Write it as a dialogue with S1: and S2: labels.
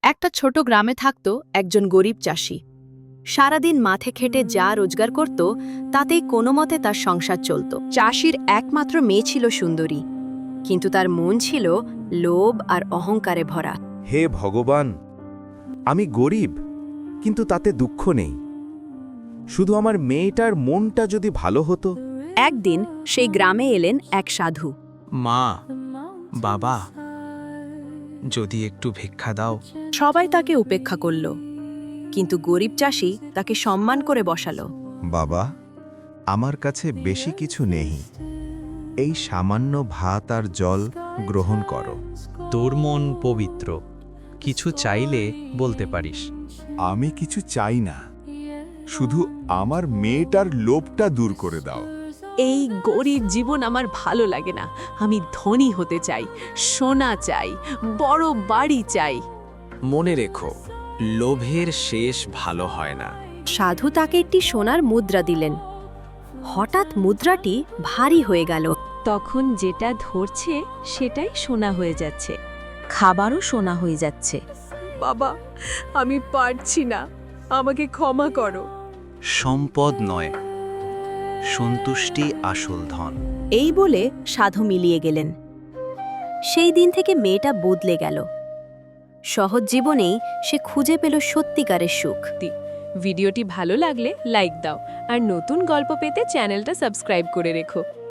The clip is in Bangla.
S1: একটা ছোট গ্রামে থাকত একজন গরিব চাষি। সারাদিন মাঠে খেটে যা রোজগার করত তাতেই কোনো মতে তার সংসার চলত। চাষির একমাত্র মেয়ে ছিল সুন্দরী, কিন্তু তার মন ছিল লোভ আর অহংকারে ভরা।
S2: হে ভগবান, আমি গরিব, কিন্তু তাতে দুঃখ নেই। শুধু আমার মেয়েটার মনটা যদি ভালো হতো।
S1: একদিন সেই গ্রামে এলেন এক সাধু।
S3: মা, বাবা, যদি একটু ভিক্ষা দাও।
S1: সবাই তাকে উপেক্ষা করল, কিন্তু গরিব চাষি তাকে সম্মান করে বসালো।
S2: বাবা, আমার কাছে বেশি কিছু নেই, এই সামান্য ভাত আর জল গ্রহণ করো।
S3: তোর মন পবিত্র, কিছু চাইলে বলতে পারিস।
S4: আমি কিছু চাই না, শুধু আমার মেয়েটার লোভটা দূর করে দাও।
S5: এই গরিব জীবন আমার ভালো লাগে না। আমি ধনী হতে চাই, সোনা চাই, বড় বাড়ি চাই।
S3: মনে রেখো, লোভের শেষ ভালো হয় না।
S1: সাধু তাকে একটি সোনার মুদ্রা দিলেন। হঠাৎ মুদ্রাটি ভারী হয়ে গেল।
S5: তখন যেটা ধরছে সেটাই সোনা হয়ে যাচ্ছে, খাবারও সোনা হয়ে যাচ্ছে। বাবা, আমি পারছি না, আমাকে ক্ষমা করো।
S3: সম্পদ নয়, সন্তুষ্টি আসল ধন।
S1: এই বলে সাধু মিলিয়ে গেলেন। সেই দিন থেকে মেয়েটা বদলে গেল। সহজ জীবনেই সে খুঁজে পেল সত্যিকারের সুখ।
S5: ভিডিওটি ভালো লাগলে লাইক দাও, আর নতুন গল্প পেতে চ্যানেলটা সাবস্ক্রাইব করে রেখো।